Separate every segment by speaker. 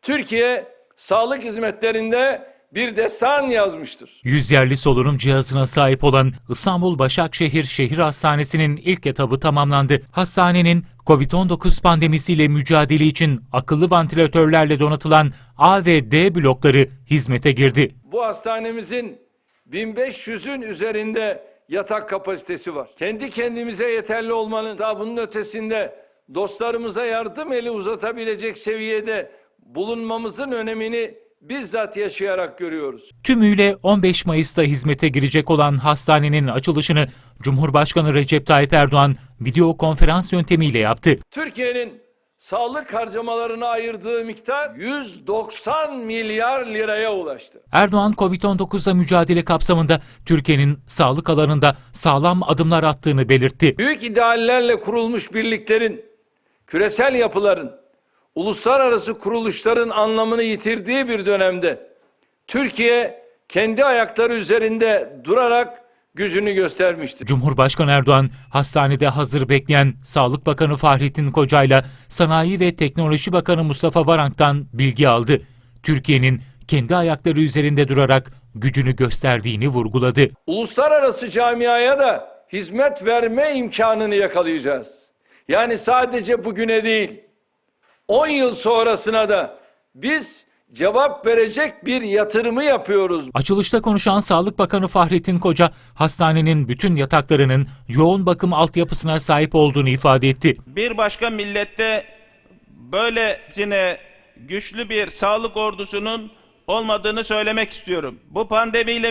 Speaker 1: Türkiye sağlık hizmetlerinde bir destan yazmıştır.
Speaker 2: 100 yerli solunum cihazına sahip olan İstanbul Başakşehir Şehir Hastanesi'nin ilk etabı tamamlandı. Hastanenin Covid-19 pandemisiyle mücadele için akıllı vantilatörlerle donatılan A ve D blokları hizmete girdi.
Speaker 1: Bu hastanemizin 1500'ün üzerinde yatak kapasitesi var. Kendi kendimize yeterli olmanın daha bunun ötesinde dostlarımıza yardım eli uzatabilecek seviyede bulunmamızın önemini bizzat yaşayarak görüyoruz.
Speaker 2: Tümüyle 15 Mayıs'ta hizmete girecek olan hastanenin açılışını Cumhurbaşkanı Recep Tayyip Erdoğan video konferans yöntemiyle yaptı.
Speaker 1: Türkiye'nin sağlık harcamalarına ayırdığı miktar 190 milyar liraya ulaştı.
Speaker 2: Erdoğan, Covid-19'la mücadele kapsamında Türkiye'nin sağlık alanında sağlam adımlar attığını belirtti.
Speaker 1: Büyük ideallerle kurulmuş birliklerin, küresel yapıların, uluslararası kuruluşların anlamını yitirdiği bir dönemde Türkiye kendi ayakları üzerinde durarak gücünü göstermiştir.
Speaker 2: Cumhurbaşkanı Erdoğan, hastanede hazır bekleyen Sağlık Bakanı Fahrettin Koca'yla Sanayi ve Teknoloji Bakanı Mustafa Varank'tan bilgi aldı. Türkiye'nin kendi ayakları üzerinde durarak gücünü gösterdiğini vurguladı.
Speaker 1: Uluslararası camiaya da hizmet verme imkanını yakalayacağız. Yani sadece bugüne değil, 10 yıl sonrasına da biz cevap verecek bir yatırımı yapıyoruz.
Speaker 2: Açılışta konuşan Sağlık Bakanı Fahrettin Koca, hastanenin bütün yataklarının yoğun bakım altyapısına sahip olduğunu ifade etti.
Speaker 3: Bir başka millette böylesine güçlü bir sağlık ordusunun olmadığını söylemek istiyorum. Bu pandemiyle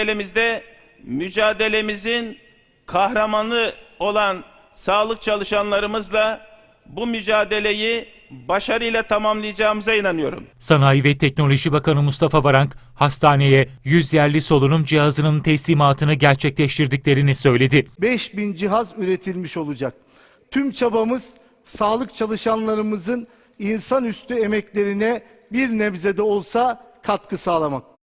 Speaker 3: mücadelemizin kahramanı olan sağlık çalışanlarımızla bu mücadeleyi başarıyla tamamlayacağımıza inanıyorum.
Speaker 2: Sanayi ve Teknoloji Bakanı Mustafa Varank, hastaneye 100 yerli solunum cihazının teslimatını gerçekleştirdiklerini söyledi.
Speaker 4: 5000 cihaz üretilmiş olacak. Tüm çabamız sağlık çalışanlarımızın insanüstü emeklerine bir nebze de olsa katkı sağlamak.